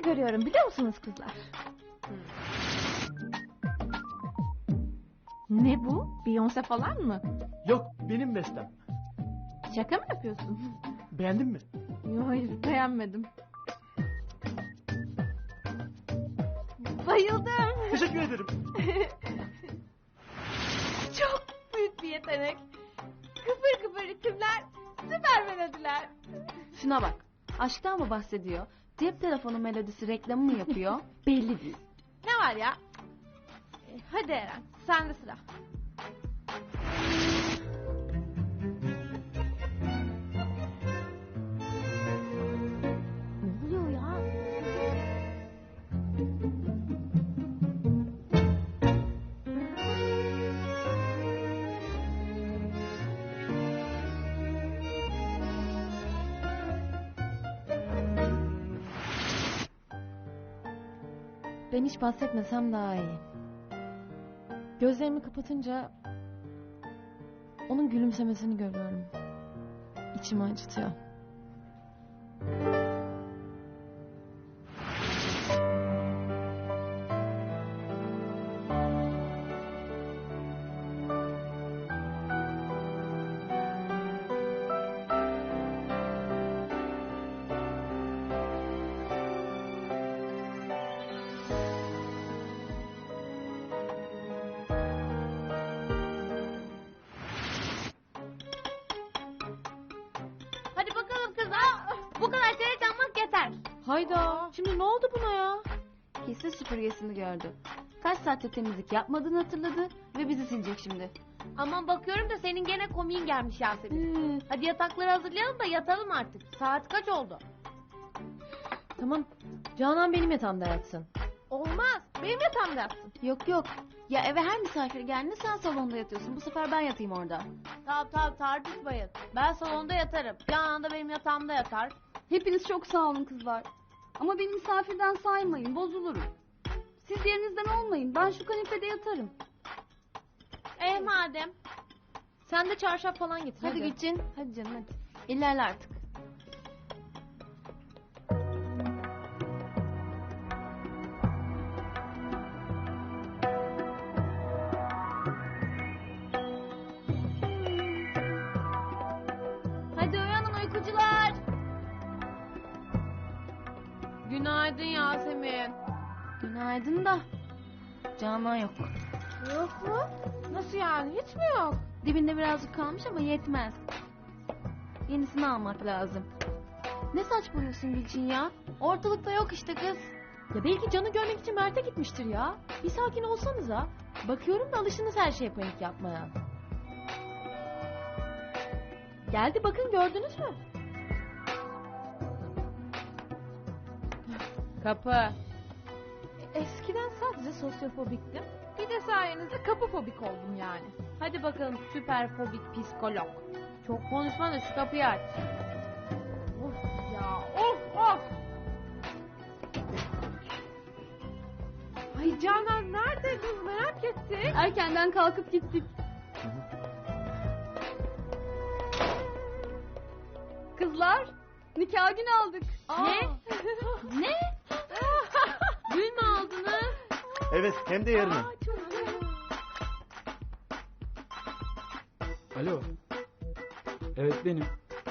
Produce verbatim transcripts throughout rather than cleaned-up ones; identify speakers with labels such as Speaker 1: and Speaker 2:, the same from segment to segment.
Speaker 1: görüyorum biliyor musunuz kızlar?
Speaker 2: Hmm.
Speaker 1: Ne bu? Beyoncé falan mı?
Speaker 3: Yok, benim bestem.
Speaker 1: Şaka mı yapıyorsun?
Speaker 3: Beğendin mi?
Speaker 1: Yok hayır beğenmedim. Bayıldım.
Speaker 3: Teşekkür ederim.
Speaker 1: Çok büyük bir yetenek. Kıpır kıpır ritimler, süper melodiler.
Speaker 2: Şuna bak. Aşktan mı bahsediyor? Cep telefonu melodisi reklamı mı yapıyor? Belli değil.
Speaker 1: Ne var ya? E, hadi Eren, sende sıra. Ne oluyor ya?
Speaker 2: Ben hiç bahsetmesem daha iyi. Gözlerimi kapatınca onun gülümsemesini görüyorum. İçimi acıtıyor.
Speaker 1: Hadi bakalım kızlar. Bu kadar çeyrek almak yeter.
Speaker 2: Hayda. Şimdi ne oldu buna ya? Kesin süpürgesini gördü. Kaç saatte temizlik yapmadığını hatırladı ve bizi silecek şimdi.
Speaker 1: Aman bakıyorum da senin gene komiğin gelmiş Yasemin.
Speaker 2: Hmm.
Speaker 1: Hadi yatakları hazırlayalım da yatalım artık. Saat kaç oldu?
Speaker 2: Tamam. Canan benim yatağımda yatsın.
Speaker 1: Olmaz. Benim yatağımda yatsın.
Speaker 2: Yok yok. Ya eve her misafir geldiğinde sen salonda yatıyorsun. Bu sefer ben yatayım orada.
Speaker 1: Tamam tamam tartışmayın. Ben salonda yatarım. Canan da benim yatağımda yatar.
Speaker 4: Hepiniz çok sağ olun kızlar. Ama beni misafirden saymayın, bozulurum. Siz yerinizden olmayın, ben şu kanepede yatarım.
Speaker 1: Eh madem.
Speaker 2: Sen de çarşaf falan getir. Hadi,
Speaker 1: Hadi.
Speaker 2: Gülçin. Hadi canım hadi. İlerle artık.
Speaker 1: Hadi uyanın uykucular. Günaydın Yasemin.
Speaker 2: Günaydın da. Canan yok.
Speaker 1: Yok mu? Nasıl yani? Hiç mi yok?
Speaker 2: Dibinde birazcık kalmış ama yetmez. Yenisini almak lazım. Ne saçmalıyorsun Gülçin ya? Ortalıkta yok işte kız. Ya belki Can'ı görmek için Mert'e gitmiştir ya. Bir sakin olsanıza. Bakıyorum da alışınız her şeye panik yapmaya. Geldi bakın gördünüz mü?
Speaker 1: Kapı. Eskiden sadece sosyofobiktim. Bir de sayenizde kapıfobik oldum yani. Hadi bakalım süperfobik psikolog. Çok konuşma da şu kapıyı aç. Of ya of of. Ay Canan nerede kız merak ettik.
Speaker 4: Erkenden kalkıp gittik. Kızlar, nikah günü aldık.
Speaker 1: Ne? Ne? Gül mü aldınız?
Speaker 3: Evet, hem de yarına.
Speaker 1: Aa, çok güzel.
Speaker 5: Alo. Evet benim.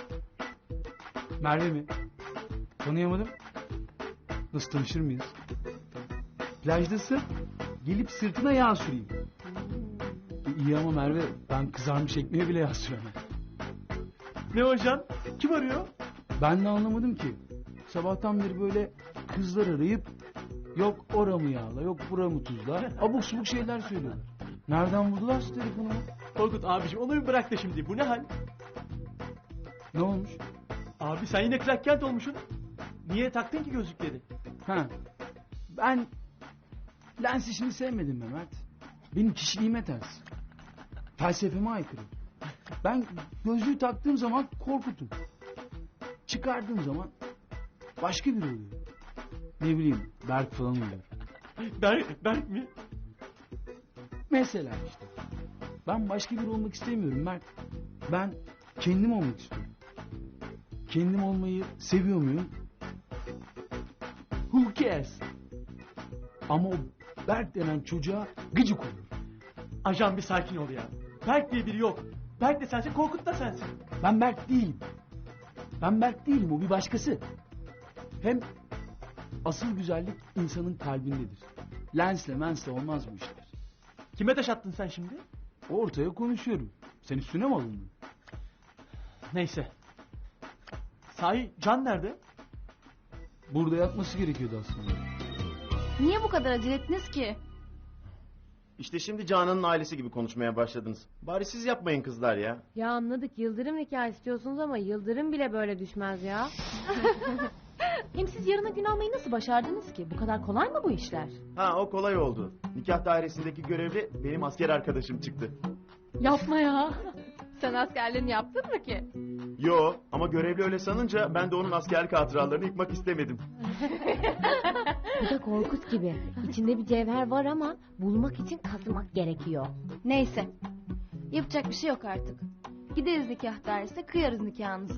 Speaker 5: Merve mi? Tanıyamadım. Nasıl tanışır mıyız? Plajdasın. Gelip sırtına yağ süreyim. E, İyi ama Merve ben kızarmış ekmeğe bile yağ süremem.
Speaker 3: Ne hocam? Kim arıyor?
Speaker 5: Ben de anlamadım ki. Sabahtan beri böyle kızlar arayıp yok oramı yağla yok buramı tuzla abuk subuk şeyler söylüyorlar. Nereden buldular şu telefonu?
Speaker 3: Korkut abiciğim onu bir bırak da şimdi. Bu ne hal?
Speaker 5: Ne olmuş?
Speaker 3: Abi sen yine Clark Kent olmuşsun. Niye taktın ki gözlükleri?
Speaker 5: Ha. Ben lens işini sevmedim Mehmet. Benim kişiliğime ters. Felsefeme aykırı. Ben gözlüğü taktığım zaman korkutum. Çıkardığım zaman başka biri oluyor. Ne bileyim Berk falan oluyor.
Speaker 3: Berk, Berk mi?
Speaker 5: Mesela işte. Ben başka biri olmak istemiyorum Mert. Ben kendim olmak istiyorum. Kendim olmayı seviyor muyum? Who cares? Ama o Berk denen çocuğa gıcık olur.
Speaker 3: Ajan bir sakin ol ya. Berk diye biri yok. Berk de sensin, Korkut da sensin.
Speaker 5: Ben Berk değilim. Ben Berk değilim, o bir başkası. Hem asıl güzellik insanın kalbindedir. Lensle mensle olmaz bu işler.
Speaker 3: Kime taş attın sen şimdi?
Speaker 5: Ortaya konuşuyorum. Sen üstüne mi alındın?
Speaker 3: Neyse. Sahi Can nerede?
Speaker 5: Burada yatması gerekiyordu aslında.
Speaker 2: Niye bu kadar acele ettiniz ki?
Speaker 6: İşte şimdi Canan'ın ailesi gibi konuşmaya başladınız. Bari siz yapmayın kızlar ya.
Speaker 1: Ya anladık, Yıldırım nikah istiyorsunuz ama Yıldırım bile böyle düşmez ya.
Speaker 2: Hem siz yarına gün almayı nasıl başardınız ki? Bu kadar kolay mı bu işler?
Speaker 6: Ha, o kolay oldu. Nikah dairesindeki görevli benim asker arkadaşım çıktı.
Speaker 2: Yapma ya.
Speaker 1: Sen askerliğini yaptın mı ki?
Speaker 6: Yo, ama görevli öyle sanınca ben de onun askerlik hatıralarını yıkmak istemedim.
Speaker 1: Bu da Korkut gibi. İçinde bir cevher var ama bulmak için kazımak gerekiyor.
Speaker 2: Neyse. Yapacak bir şey yok artık. Gideriz nikah dairesine, kıyarız nikahınızı.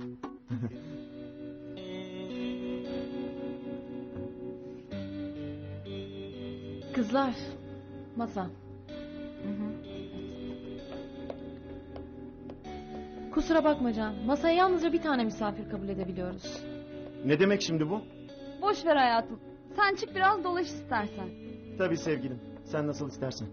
Speaker 2: Kızlar. Masa. Kusura bakma Can. Masaya yalnızca bir tane misafir kabul edebiliyoruz.
Speaker 6: Ne demek şimdi bu?
Speaker 4: Boş ver hayatım. Sen çık biraz dolaş istersen.
Speaker 6: Tabii sevgilim. Sen nasıl istersen.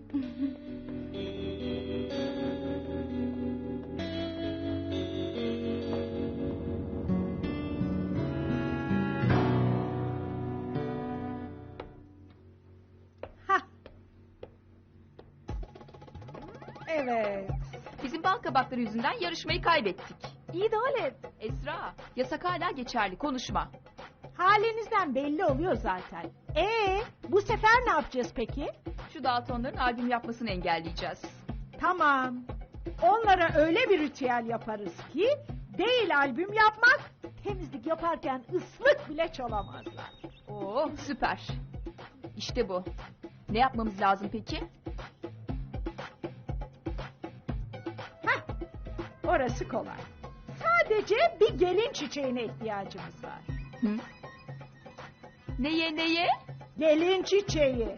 Speaker 7: Evet. Bizim bal kabakları yüzünden yarışmayı kaybettik.
Speaker 2: İyi de Halet.
Speaker 7: Esra, yasak hala geçerli, konuşma.
Speaker 8: Halinizden belli oluyor zaten. Ee, bu sefer ne yapacağız peki?
Speaker 7: Şu Daltonların albüm yapmasını engelleyeceğiz.
Speaker 8: Tamam. Onlara öyle bir ritüel yaparız ki değil albüm yapmak, temizlik yaparken ıslık bile çalamazlar.
Speaker 7: Oo, süper. İşte bu. Ne yapmamız lazım peki?
Speaker 8: Orası kolay. Sadece bir gelin çiçeğine ihtiyacımız var.
Speaker 7: Hı? Neye neye?
Speaker 8: Gelin çiçeği.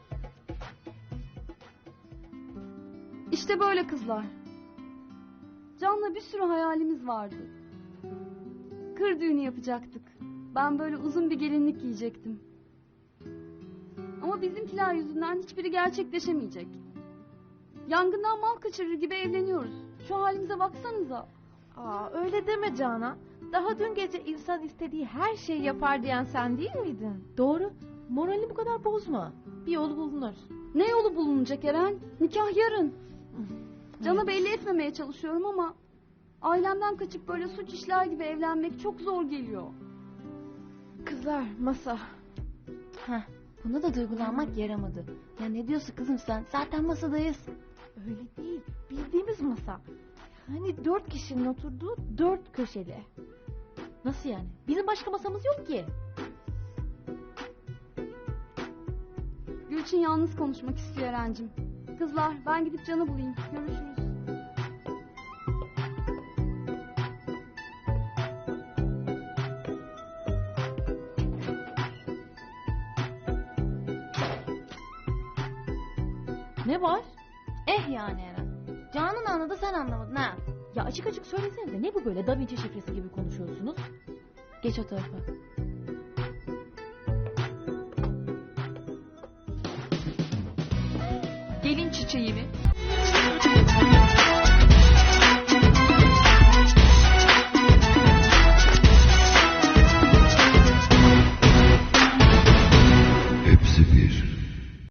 Speaker 4: İşte böyle kızlar. Can'la bir sürü hayalimiz vardı. Kır düğünü yapacaktık. Ben böyle uzun bir gelinlik giyecektim. Ama bizimkiler yüzünden hiçbiri gerçekleşemeyecek. Yangından mal kaçırır gibi evleniyoruz. Şu halimize baksanıza.
Speaker 1: Aa, öyle deme Canan. Daha dün gece insan istediği her şeyi yapar diyen sen değil miydin?
Speaker 2: Doğru. Moralini bu kadar bozma. Bir yolu bulunur.
Speaker 4: Ne yolu bulunacak Eren? Nikah yarın. Can'a belli etmemeye çalışıyorum ama ailemden kaçıp böyle suç işler gibi evlenmek çok zor geliyor.
Speaker 1: Kızlar, masa.
Speaker 2: Heh, buna da duygulanmak yaramadı. Ya ne diyorsun kızım sen? Zaten masadayız.
Speaker 1: Öyle değil, bildiğimiz masa. Hani dört kişinin oturduğu dört köşeli.
Speaker 2: Nasıl yani? Bizim başka masamız yok ki.
Speaker 4: Gülçin yalnız konuşmak istiyor Eren'cim. Kızlar ben gidip Can'ı bulayım. Görüşürüz.
Speaker 2: Ne var? Eh yani Eren. Can'ın anladı sen anlamadın ha. Ya açık açık söylesenize ne bu böyle Da Vinci şifresi gibi konuşuyorsunuz? Geç o tarafa.
Speaker 7: Gelin çiçeği mi?